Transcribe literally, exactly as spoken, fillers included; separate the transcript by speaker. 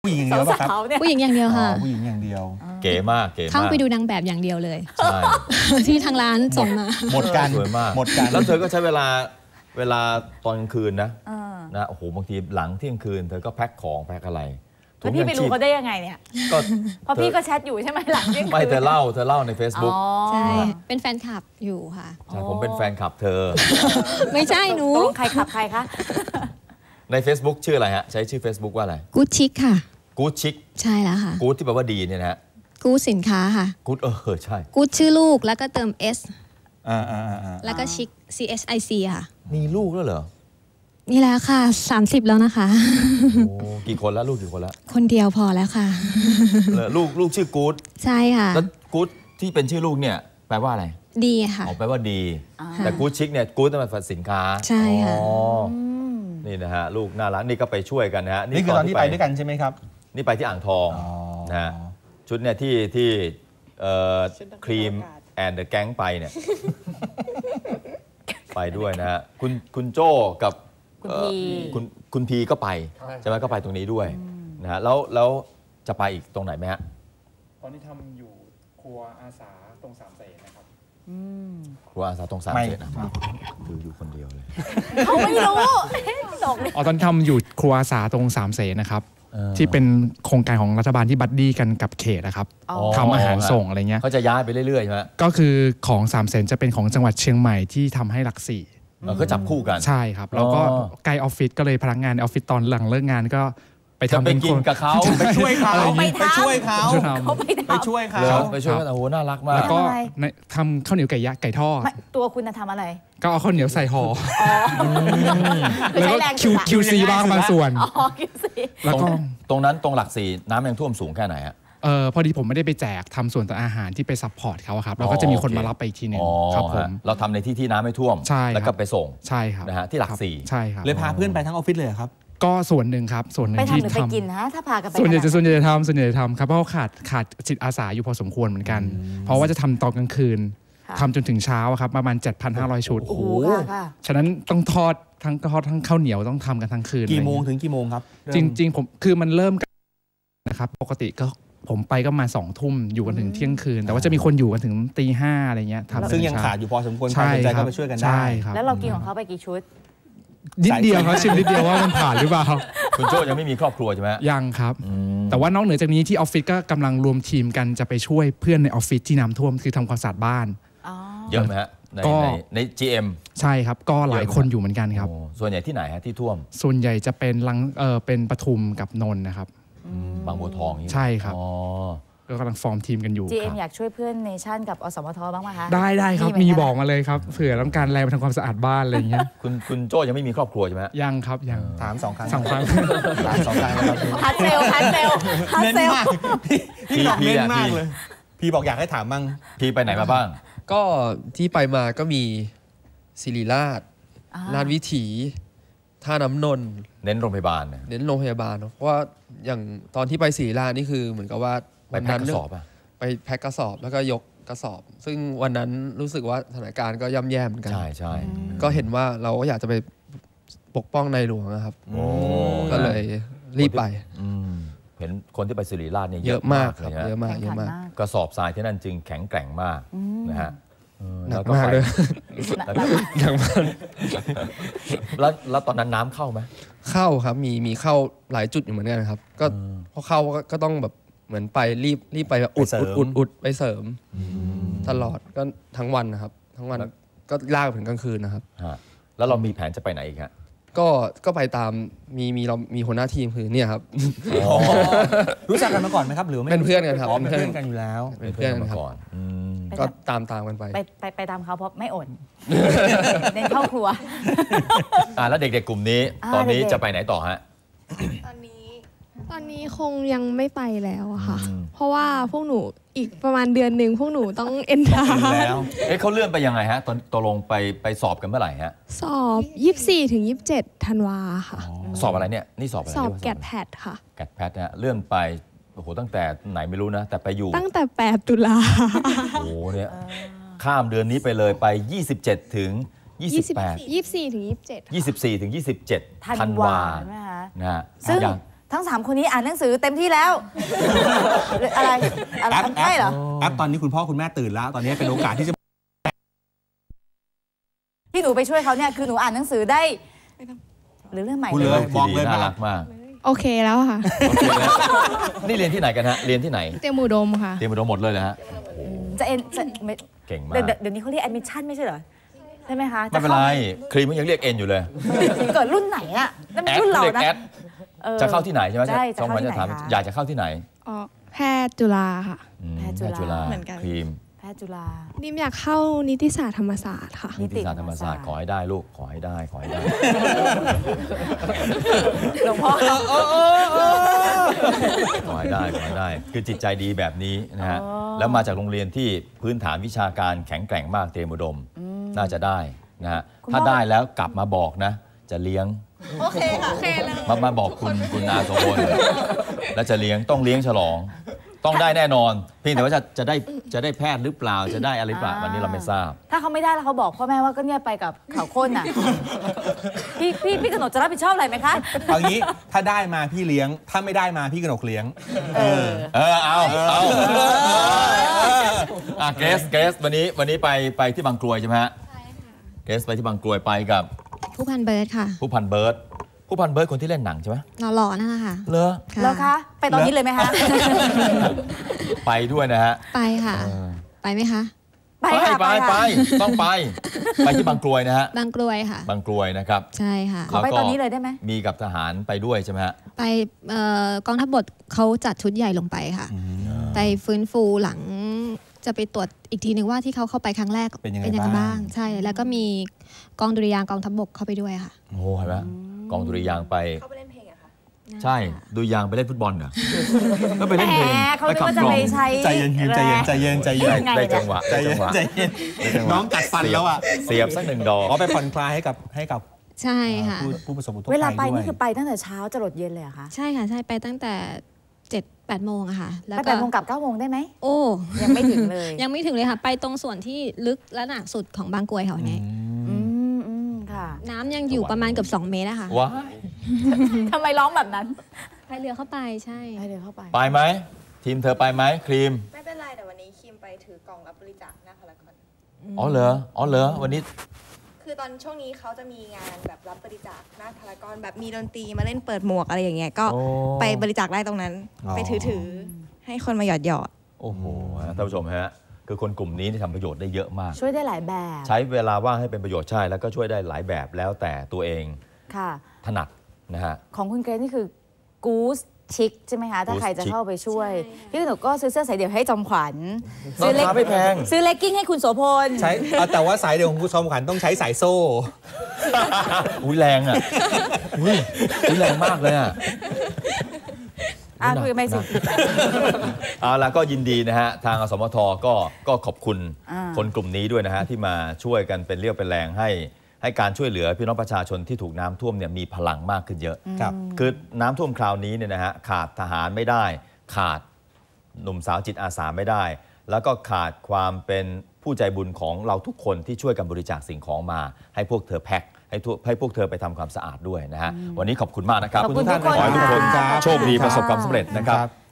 Speaker 1: ผู้หญิงอย่างเดียวป่ะครับ
Speaker 2: ผู้หญิงอย่างเดียวค่ะ
Speaker 1: ผู้หญิงอย่างเดียว
Speaker 3: เก๋มากเก๋มาก
Speaker 2: เข้าไปดูนางแบบอย่างเดียวเลย
Speaker 3: ใช่
Speaker 2: ที่ทางร้านส่งมา
Speaker 1: หมดกัน
Speaker 3: สวยมาก
Speaker 1: หมดกัน
Speaker 3: แล้วเธอก็ใช้เวลาเวลาตอนกลางคืนนะนะโอ้โหบางทีหลังเที่ยงคืนเธอก็แพ็คของแพ็คอะไร
Speaker 4: แล้วพี่ไปรู้เขาได้ยังไงเนี่ยก็เพราะพี่ก็แชทอยู่ใช่ไหมหลังเที่ยงคืน
Speaker 3: ไม่เธอเล่าเธอเล่าใน Facebook
Speaker 2: ใช่เป็นแฟนคลับอยู่ค่ะ
Speaker 3: ใช่ผมเป็นแฟนคลับเธอ
Speaker 2: ไม่ใช่หนู
Speaker 4: ใครขับใครคะ
Speaker 3: ใน Facebook ชื่ออะไรฮะใช้ชื่อ Facebook ว่าอะไร
Speaker 2: กู๊ดชิคค่ะ
Speaker 3: กู๊ดชิค
Speaker 2: ใช่แล้วค่ะ
Speaker 3: กู๊ดที่แปลว่าดีเนี่ยนะฮะ
Speaker 2: กู๊ดสินค้าค่ะ
Speaker 3: กู๊ดเออใช่
Speaker 2: กู๊ดชื่อลูกแล้วก็เติม S
Speaker 1: อ่าอ่าอ่า
Speaker 2: แล้วก็ชิค C H I C ค่ะ
Speaker 3: มีลูกแล้วเหรอ
Speaker 2: นี่แล้วค่ะสามสิบแล้วนะคะ
Speaker 3: โอ้กี่คนแล้วลูกกี่คนแล้ว
Speaker 2: คนเดียวพอแล้วค่ะ
Speaker 3: ลูกลูกชื่อกู๊ด
Speaker 2: ใช่ค่ะ
Speaker 3: แล้วกู๊ดที่เป็นชื่อลูกเนี่ยแปลว่าอะไร
Speaker 2: ดีค่ะ
Speaker 3: อ๋อแปลว่าดีแต่กู๊ดชิคเนี่ยกู๊ดเป็นภาษาสินค้า
Speaker 2: ใช่ค่ะ
Speaker 3: นี่นะฮะลูกน่ารักนี่ก็ไปช่วยกันนะฮะ
Speaker 1: นี่คือตอนที่ไปด้วยกันใช่ไหมครับ
Speaker 3: นี่ไปที่อ่างทองนะฮะชุดเนี่ยที่ที่ครีมแอนเดอะแก๊งไปเนี่ยไปด้วยนะฮะคุณคุณโจ้กับคุณคุณพีก็ไปใช่ไหมก็ไปตรงนี้ด้วยนะฮะแล้วแล้วจะไปอีกตรงไหนไหมฮะ
Speaker 5: ตอนนี้ทำอยู่ครัวอาสาตรงสามเสนนะครับ
Speaker 3: ครัวอาสาตรงสามเสนนะคืออยู่คนเดียวเลย
Speaker 4: เขาไม่รู้
Speaker 5: อ๋อตอนทำอยู่ครัวอาสาตรงสามเสนนะครับที่เป็นโครงการของรัฐบาลที่บัดดี้กันกับเขตนะครับทำอาหารส่งอะไรเงี้ย
Speaker 3: เขาจะย้ายไปเรื่อยๆใช่ไหม
Speaker 5: ก็คือของสามเสนจะเป็นของจังหวัดเชียงใหม่ที่ทำให้หลักสี่
Speaker 3: ก็จับคู่กัน
Speaker 5: ใช่ครับแล้วก็ใกล้ออฟฟิศก็เลยพนักงานในออฟฟิศตอนหลังเลิกงานก็ไปทำ
Speaker 3: ไปกินกับเขา
Speaker 1: ไปช่วยเขาไปช่วยเขาไปช่วยเขา
Speaker 3: ไปช่วยกันโอ้โหน่ารักมาก
Speaker 5: แล้วก็ทำข้าวเหนียวไก่ยะไก่ทอด
Speaker 4: ตัวคุณจะทำอะไร
Speaker 5: ก็เอาข้าวเหนียวใส่ห่อแล้วก็คิวซีบ้างบางส่วน
Speaker 3: แล้วก็ตรงนั้นตรงหลักสี่น้ำยังท่วมสูงแค่ไหนฮะ
Speaker 5: เออพอดีผมไม่ได้ไปแจกทำส่วนต่างอาหารที่ไปซัพพอร์ตเขาครับเราก็จะมีคนมารับไปอีกทีหนึ่งครับผม
Speaker 3: เราทำในที่ที่น้ำไม่ท่วมแล้วก็ไปส่ง
Speaker 5: ใช่ครับ
Speaker 3: นะฮะที่หลักสี่
Speaker 5: ใช่ครับ
Speaker 1: เลยพาเพื่อนไปทั้งออฟฟิศเลยครับ
Speaker 5: ก็ส่วนหนึ่งครับส่วนหนึ่งที่
Speaker 4: ทำไปทำหรือไปกินนะถ้าพากันไป
Speaker 5: ส่วนใหญ่จะส่วนใหญ่จะทำส่วนใหญ่จะทำครับเพราะขาดขาดจิตอาสาอยู่พอสมควรเหมือนกันเพราะว่าจะทำตอนกลางคืนทำจนถึงเช้าครับประมาณ เจ็ดพันห้าร้อย ชุด
Speaker 4: โอ้โห
Speaker 5: ฉะนั้นต้องทอดทั้งทอดทั้งข้าวเหนียวต้องทำกันทั้งคืน
Speaker 1: กี่โมงถึงกี่โมงครับ
Speaker 5: จริงๆผมคือมันเริ่มกันนะครับปกติก็ผมไปก็มาสองทุ่มอยู่กันถึงเที่ยงคืนแต่ว่าจะมีคนอยู่กันถึงตีห้าอะไรเงี้ย
Speaker 1: ซึ่งยังขาดอยู่พอสมควรใครสนใจก็ไปช่วยกันได้
Speaker 4: แล้วเรากินของเขาไปกี่ชุด
Speaker 5: นิดเดียวครับชิมนิดเดียวว่ามันผ่านหรือเปล่า
Speaker 3: คุณโจ้ยังไม่มีครอบครัวใช่ไหม
Speaker 5: ยังครับแต่ว่านอกเหนือจากนี้ที่ออฟฟิศก็กำลังรวมทีมกันจะไปช่วยเพื่อนในออฟฟิศที่น้ำท่วมคือทำความสะอาดบ้าน
Speaker 3: เยอะไหมฮะในใน จี เอ็ม
Speaker 5: ใช่ครับก็หลายคนอยู่เหมือนกันครับ
Speaker 3: ส่วนใหญ่ที่ไหนฮะที่ท่วม
Speaker 5: ส่วนใหญ่จะเป็นลังเออเป็นปทุมกับนนท์นะครับ
Speaker 3: บางบัวทอง
Speaker 5: ใช่ครับก็กำลังฟอร์มทีมกันอยู่
Speaker 4: จี เอ็ม อยากช่วยเพื่อนเนชั่นกับอสมทบ้างไหมคะ
Speaker 5: ได้ได้ครับมีบอกมาเลยครับเผื่อต้องการแรงไปทำความสะอาดบ้านอะไรอย่างเงี้ย
Speaker 3: คุณคุณโจ้ยังไม่มีครอบครัวใช่ไหม
Speaker 5: ยังครับยัง
Speaker 1: ถามสองครั้ง
Speaker 5: สองครั้ง
Speaker 1: ถามสองครั้งครับ
Speaker 4: พัดเซลพัดเซลพัดเซล
Speaker 1: พี่บอกเน้นมากเลยพี่บอกอยากให้ถามบ้าง
Speaker 3: พี่ไปไหนมาบ้าง
Speaker 6: ก็ที่ไปมาก็มีศิริราชลาดวิถีท่าน้ำนนท์
Speaker 3: เน้นโรงพยาบาล
Speaker 6: เน้นโรงพยาบาลเพราะว่าอย่างตอนที่ไปศิริราชนี่คือเหมือนกับว่า
Speaker 3: ไปแพ็คกระสอบอะ
Speaker 6: ไปแพ็คกระสอบแล้วก็ยกกระสอบ ซึ่งวันนั้นรู้สึกว่าสถานการณ์ก็ย่ำแย่เหมือนกัน
Speaker 3: ใช่ใช่
Speaker 6: ก็เห็นว่าเราก็อยากจะไปปกป้องในหลวงนะครับก็เลยรีบไป
Speaker 3: เห็นคนที่ไปศิริราชเนี่ย
Speaker 6: เยอะมากครับเยอะมากเยอะมาก
Speaker 3: กระสอบทรายที่นั่นจึงแข็งแกร่งมากนะฮะ
Speaker 6: หนักมากเลยหนักมาก
Speaker 3: แล้วแล้วตอนนั้นน้ำเข้าไหม
Speaker 6: เข้าครับมีมีเข้าหลายจุดอยู่เหมือนกันครับก็พอเข้าก็ต้องแบบเหมือนไปรีบรีบไปอุดอุดอุดอุดไปเสริมตลอดก็ทั้งวันนะครับทั้งวันก็ลากถึงกลางคืนนะครับ
Speaker 3: แล้วเรามีแผนจะไปไหนอีกฮะ
Speaker 6: ก็ก็ไปตามมีมีเรามีหัวหน้าทีมคือเนี่ยครับ
Speaker 1: รู้จักกันมาก่อนไหมครับหรือไม่
Speaker 6: เป็นเพื่อนกันครับ
Speaker 1: เป็นเพื่อนกันอยู่แล้ว
Speaker 6: เป็นเพื่อนกันครับก็ตามตามกันไป
Speaker 4: ไปไปตามเขาเพราะไม่อดในครอบครัว
Speaker 3: อ่าแล้วเด็กๆกลุ่มนี้ตอนนี้จะไปไหนต่อฮะ
Speaker 2: ตอนนี้ตอนนี้คงยังไม่ไปแล้วอะค่ะเพราะว่าพวกหนูอีกประมาณเดือนหนึ่งพวกหนูต้องเอ็นทา
Speaker 3: แล้วเอ๊ะเขาเลื่อนไปยังไงฮะตอนตกลงไปไปสอบกันเมื่อไหร่ฮะ
Speaker 2: สอบยี่สิบสี่ถึงยี่สิบเจ็ดธันวาค่ะ
Speaker 3: สอบอะไรเนี่ยนี่สอบอะไร
Speaker 2: สอบแกดแพดค่ะ
Speaker 3: แกดแพดนะเลื่อนไปโอ้โหตั้งแต่ไหนไม่รู้นะแต่ไปอยู่
Speaker 2: ตั้งแต่แปดตุลา
Speaker 3: โอ้โหเนี่ยข้ามเดือนนี้ไปเลยไปยี่สิบเจ็ดถึงยี่สิบแปด
Speaker 2: ยี่สิบสี่ถึงยี่สิบเจ็ด
Speaker 3: ยี่สิบสี่ถึงยี่สิบเจ็ดธันวานะฮะ
Speaker 4: ซึ่งทั้งสามคนนี้อ่านหนังสือเต็มที่แล้วหรืออะไรอะไร
Speaker 1: แอปแอ
Speaker 4: ใช่
Speaker 1: ป
Speaker 4: เหรอ
Speaker 1: แอปตอนนี้คุณพ่อคุณแม่ตื่นแล้ว ตอนนี้เป็นโอกาสที่จะ
Speaker 4: ที่หนูไปช่วยเขาเนี่ยคือหนูอ่านหนังสือได้หรือเรื่องใหม่
Speaker 1: พูดเลย บอกเลย
Speaker 3: น่า
Speaker 1: ว่า
Speaker 3: รักมาก
Speaker 2: โอเคแล้วค่ะ
Speaker 3: โอเคแล้วนี่เรียนที่ไหนกันฮะเรียนที่ไหน
Speaker 2: เตรียมอุดมค่ะ
Speaker 3: เตรียมอุดมหมดเลยนะฮะ
Speaker 4: จะเอ็นจะไม่
Speaker 3: เก่งมาก
Speaker 4: เดี๋ยวเดี๋ยวนี้เขาเรียกแอดมิชชั่นไม่ใช่เหรอใช่ไหมคะ
Speaker 3: ไม่เป็นไรครีมมันยังเรียกเอ็นอยู่เลย
Speaker 4: เกิดรุ่นไหนอะนั่น
Speaker 3: แอ
Speaker 4: มัน
Speaker 3: ด
Speaker 4: รุ่นเรา
Speaker 3: เรียก
Speaker 4: นะ
Speaker 3: แอด
Speaker 4: ออ
Speaker 3: จะเข้าที่ไหนใช่ไหม
Speaker 4: ใช่จะ
Speaker 3: สอง
Speaker 4: เข้า
Speaker 3: วัน
Speaker 4: ที่
Speaker 3: จะ
Speaker 4: ไหน
Speaker 3: ถาม
Speaker 4: คะ
Speaker 3: อยากจะเข้าที่ไหน
Speaker 2: อ๋อแพทย์จุฬาค่ะ
Speaker 3: อืม
Speaker 4: แพทย์จุฬา
Speaker 2: เหมือนกัน
Speaker 3: ครีม
Speaker 4: แพทย์จุฬา
Speaker 2: นิมอยากเข้านิติศาสตร์ธรรมศาสตร์ค่ะ
Speaker 4: นิ
Speaker 3: นิ
Speaker 4: ติ
Speaker 3: ติศาสตร์ธรรมศาสตร์ขอให้ได้ลูกขอให้ได้ขอให้ได้
Speaker 4: หลวงพ่อ
Speaker 3: ขอให้ได้ขอให้ได้ คือจิตใจดีแบบนี้นะฮะแล้วมาจากโรงเรียนที่พื้นฐานวิชาการแข็งแกร่งมากเตรียมอุดมน่าจะได้นะฮะถ้าได้แล้วกลับมาบอกนะ จะเลี้ยง
Speaker 2: โอเคค่ะโอเคเลย
Speaker 3: มามาบอกคุณคุณอาโสพลแล้วจะเลี้ยงต้องเลี้ยงฉลอง ต้องได้แน่นอน เพียงแต่ว่าจะจะได้จะได้แพทย์หรือเปล่าจะได้อะไรหรือเปล่าวันนี้เราไม่ทราบ
Speaker 4: ถ้าเขาไม่ได้แล้วเขาบอกพ่อแม่ว่าก็เนี่ยไปกับเขาโค่นน่ะพี่พี่พี่กนกจะรับผิดชอบอะไรไหมคะ
Speaker 1: เอางี้ถ้าได้มาพี่เลี้ยง ถ้าไม่ได้มาพี่กนกเลี้ยง
Speaker 4: เออ
Speaker 3: เออเอาเอาอ่ะเกรสเกรสวันนี้วันนี้ไปไปที่บางกรวยใช่ไหมฮะเกรสไปที่บางกรวยไปกับ
Speaker 7: ผู้พันเบิร์ดค่ะ
Speaker 3: ผู้พันเบิร์ดผู้พันเบิร์ดคนที่เล่นหนังใช่ไหม
Speaker 7: หล่อๆนั่นแหละค่ะ
Speaker 3: เลอ
Speaker 4: แล้วคะ ไปตอนนี้เลยไหมคะ
Speaker 3: ไปด้วยนะฮะ
Speaker 7: ไปค่ะ
Speaker 3: เออ
Speaker 7: ไปไหมคะ
Speaker 4: ไป
Speaker 3: ไป
Speaker 4: ค่ะ
Speaker 3: ไปไป
Speaker 4: ค่ะ
Speaker 3: ต้องไป ไปที่บางกรวยนะฮะ
Speaker 7: บางกรวยค่ะ
Speaker 3: บางกรวยนะครับ
Speaker 7: ใช่ค่ะ
Speaker 4: ขอไปตอนนี้เลยได้ไหม
Speaker 3: มีกับทหารไปด้วยใช่ไหมฮะ
Speaker 7: ไปเอ่อกองทัพบกเขาจัดชุดใหญ่ลงไปค่ะ ไปฟื้นฟูหลังจะไปตรวจอีกทีหนึ่งว่าที่เขาเข้าไปครั้งแรก
Speaker 1: เป็นยังไงบ้าง
Speaker 7: ใช่ แล้วก็มีกองดุริยางค์กองทัพบกเข้าไปด้วยค่ะ
Speaker 3: โอ้โหเห็นไหมกองดุริยางค์ไป
Speaker 2: เขาไปเล่นเพลงอะค่ะ
Speaker 3: ใช่ดุริยางค์ไปเล่นฟุตบอลเหรอก็ไปเล่นเพลง
Speaker 4: แหมเขานึกว่าจะไปใช้
Speaker 1: ใจเย็นใจเย็นใจเย็นใจเย็น
Speaker 4: ยังไง
Speaker 3: ได้
Speaker 4: เนี่
Speaker 3: จั
Speaker 4: ย
Speaker 3: งหวะ
Speaker 1: ใจ
Speaker 3: ได้
Speaker 1: เย็
Speaker 3: จั
Speaker 1: น
Speaker 3: งหวะ
Speaker 1: ใจเย็น
Speaker 3: ได้จังหวะ
Speaker 1: น้องกัดฟันแล้วอ่ะ
Speaker 3: เสียบสักหนึ่งดอก
Speaker 1: อ๋อไปผ่อนคลายให้กับให้กับ
Speaker 7: ใช่ค่ะ
Speaker 1: ผู้ผู้ประสบอุทกภัย
Speaker 4: เวลาไป
Speaker 1: ด้วย
Speaker 4: นี่คือไปตั้งแต่เช้าจะหลดเย็นเลยเหรอะคะ
Speaker 7: ใช่ค่ะ ใช่ ไปตั้งแต่เจ็ดแปดโมงอะค่ะ แล้ว
Speaker 4: ไป
Speaker 7: ก็
Speaker 4: แปดโมงกลับเก้าโมงได้ไหม
Speaker 7: โอ้
Speaker 4: ยังไม่ถึงเลย
Speaker 7: ยังไม่ถึงเลยค่ะ ไปตรงส่วนที่ลึกและหนักสุดของบางกรวยค่ะวันนี้
Speaker 4: อืมอืมค่ะ
Speaker 7: น้ำยังอยู่ประมาณเกือบสองเมตรอะค่ะ
Speaker 3: ว้าย
Speaker 4: ทำไมร้องแบบนั้น
Speaker 7: พายเรือเข้าไปใช่
Speaker 4: ไปเลยเข้าไป
Speaker 3: ไปไหมทีมเธอไปไหมครีม
Speaker 2: ไม่เป็นไรแต่วันนี้คิมไปถือกล่องรับบริจาคหน้าพารากอน
Speaker 3: อ๋อเหรออ๋อเหรอวันนี้
Speaker 2: คือตอนช่วงนี้เขาจะมีงานแบบรับบริจาคหน้าพารากอนแบบมีดนตรีมาเล่นเปิดหมวกอะไรอย่างเงี้ยก็
Speaker 3: โอ้
Speaker 2: ไปบริจาคได้ตรงนั้น
Speaker 1: อ๋อ
Speaker 2: ไปถือถือให้คนมาหยอดหยอด
Speaker 3: โอ้โหท่านผู้ชมฮะคือคนกลุ่มนี้ที่ทำประโยชน์ได้เยอะมาก
Speaker 4: ช่วยได้หลายแบบ
Speaker 3: ใช้เวลาว่างให้เป็นประโยชน์ใช่แล้วก็ช่วยได้หลายแบบแล้วแต่ตัวเอง
Speaker 4: ค่ะ
Speaker 3: ถนัดนะฮะ
Speaker 4: ของคุณเกรซนี่คือกู๊สชิคใช่ไหมคะ ถ้า
Speaker 3: Goose
Speaker 4: ใครจะ
Speaker 3: Chic
Speaker 4: เข้าไปช่วย
Speaker 2: ใช่ค่ะ
Speaker 4: พี่หนูก็ซื้อเสื้อสายเดี่ยวให้จอมขวัญ
Speaker 3: ราคาไม่แพง
Speaker 4: ซื้อเลกกิ้งให้คุณโสพล
Speaker 1: ใช้เอาแต่ว่าสายเดียวของคุณชมขวัญต้องใช้สายโซ่
Speaker 3: อุ้ยแรงอ่ะอุ้ยอุ้ยแรงมากเลยอ่ะ
Speaker 4: อ่ะคุยกันไปสิ
Speaker 3: เอาละก็ยินดีนะฮะ ทางอสมทก็ก็ขอบคุณ
Speaker 4: อ่า
Speaker 3: คนกลุ่มนี้ด้วยนะฮะ ที่มาช่วยกันเป็นเรี่ยวเป็นแรงให้ ให้การช่วยเหลือพี่น้องประชาชนที่ถูกน้ำท่วมเนี่ยมีพลังมากขึ้นเยอะ
Speaker 1: ครับ
Speaker 3: คือน้ำท่วมคราวนี้เนี่ยนะฮะขาดทหารไม่ได้ ขาดหนุ่มสาวจิตอาสาไม่ได้ แล้วก็ขาดความเป็นผู้ใจบุญของเราทุกคนที่ช่วยกันบริจาคสิ่งของมา ให้พวกเธอแพ็คให้ทุกให้พวกเธอไปทำความสะอาดด้วยนะฮะวันนี้ขอบคุณมากนะครับ
Speaker 4: ขอบคุณทุกคน
Speaker 3: ขอให้ทุกคน
Speaker 1: ครับ
Speaker 3: โชคดีประสบความสำเร็จนะครับ